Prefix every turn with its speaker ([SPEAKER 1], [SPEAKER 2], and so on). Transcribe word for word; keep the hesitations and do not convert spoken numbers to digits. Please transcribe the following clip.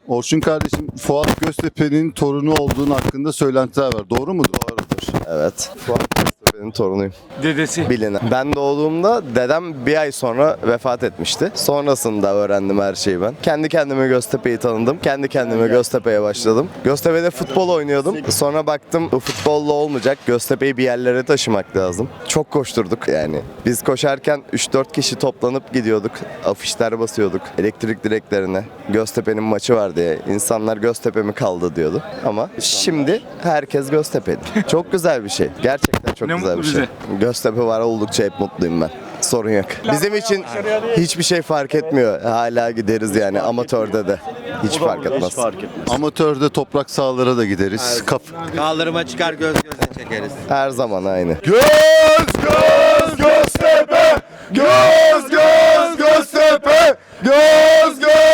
[SPEAKER 1] Orçun kardeşim, Fuat Göztepe'nin torunu olduğun hakkında söylentiler var. Doğru mudur?
[SPEAKER 2] Doğrudur. Evet. Fuat Göztepe'nin torunuyum.
[SPEAKER 3] Dedesi.
[SPEAKER 2] Bilinen. Ben doğduğumda dedem bir ay sonra vefat etmişti. Sonrasında öğrendim her şeyi ben. Kendi kendime Göztepe'yi tanıdım. Kendi kendime Göztepe'ye başladım. Göztepe'de futbol oynuyordum. Sonra baktım bu futbolla olmayacak. Göztepe'yi bir yerlere taşımak lazım. Çok koşturduk yani. Biz koşarken üç dört kişi toplanıp gidiyorduk. Afişler basıyorduk. Elektrik direklerine. Göztepe'nin maçı var diye. İnsanlar Göztepe mi kaldı diyordu. Ama şimdi herkes Göztepe'li. Çok güzel bir şey. Gerçekten çok
[SPEAKER 3] Ne
[SPEAKER 2] güzel
[SPEAKER 3] mutlu
[SPEAKER 2] bir şey.
[SPEAKER 3] bize.
[SPEAKER 2] Göztepe var oldukça hep mutluyum ben. Sorun yok. Bizim için hiçbir şey fark etmiyor. Hala gideriz yani amatörde de. Hiç fark etmez.
[SPEAKER 1] Amatörde toprak sahalara da gideriz. Kaf
[SPEAKER 4] Kaldırıma çıkar göz göze çekeriz.
[SPEAKER 2] Her zaman aynı.
[SPEAKER 1] Göz göz Göztepe! Göz göz Göztepe! Göz göz